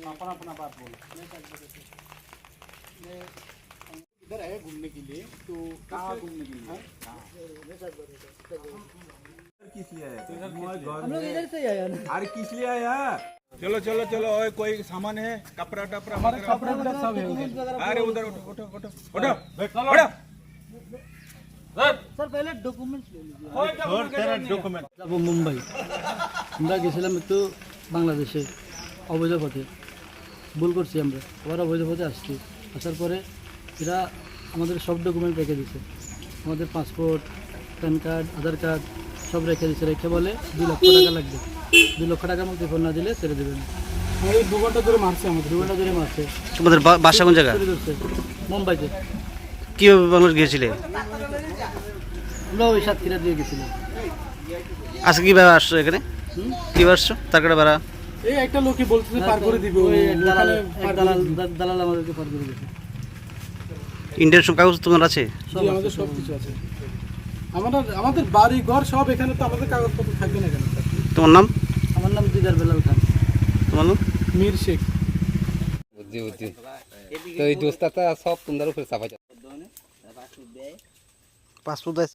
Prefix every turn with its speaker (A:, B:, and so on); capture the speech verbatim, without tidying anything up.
A: अपना अपना बात बोलो। इधर आए घूमने के लिए, तो कहाँ घूमने के लिए?
B: किस लिए आया?
C: हम लोग इधर से आया ना।
B: अरे किस लिए आया? चलो चलो चलो, और कोई सामान है, कपड़ा टपड़ा
A: हमारे
B: वगैरह?
A: कपड़े वगैरह सब है उधर।
B: अरे उधर उठो उठो उठो उठो उठो।
C: सर पहले डॉक्यूमेंट्स ले लीजिए।
B: और तेरा डॉक्यूमेंट
C: যাব মুম্বাই। আমরা গেছিলাম একটু বাংলাদেশে অবৈধ পথে, ভুল করছি আমরা, আবার অবৈধ পথে আসছি। আসার পরে এরা আমাদের সব ডকুমেন্ট রেখে দিছে, আমাদের passport, pan card, Aadhaar card সব রেখে দিছে। রেখে বলে দুই লক্ষ টাকা লাগবে, দুই লক্ষ টাকা মতো ফোন না দিলে ছেড়ে দেবেন।
A: এই দু ঘন্টা ধরে মারছে আমাদের।
C: দু ঘন্টা ধরে মারছে।
D: তোমাদের বা- বাসা কোন জায়গা?
C: চুরি করছে মুম্বাইতে।
D: কিভাবে বাংলাদেশ গিয়েছিলে?
C: আমরা ওই সাতক্ষীরা দিয়ে গেছিলাম।
D: আজকে কিভাবে আসছো এখানে? কিভাবে আসছো? তার কাটা ভাড়া?
A: এই একটা লোকই বলতেছে পার করে দিবে,
C: ওই এক দালাল,
A: ওখানে
C: এক
A: পার করে
C: দালাল
A: দিবে।
C: দালাল আমাদেরকে পার করে দিয়েছে।
D: ইন্ডিয়ান সব কাগজ তোমার আছে?
C: সব
A: জি,
C: আছে,
A: আমাদের
C: সব
A: সব
C: আছে।
A: কিছু আছে। আমাদের আমাদের বাড়ি ঘর সব এখানে, তো আমাদের কাগজপত্র থাকবে না কেন?
D: তোমার নাম?
C: আমার নাম দিদার বেলাল খান।
D: তোমার নাম?
A: মীর শেখ।
E: বুদ্ধি বুদ্ধি তো এই দোস্তাটা সব তোমাদের উপরে চাপা
D: পাসপোর্ট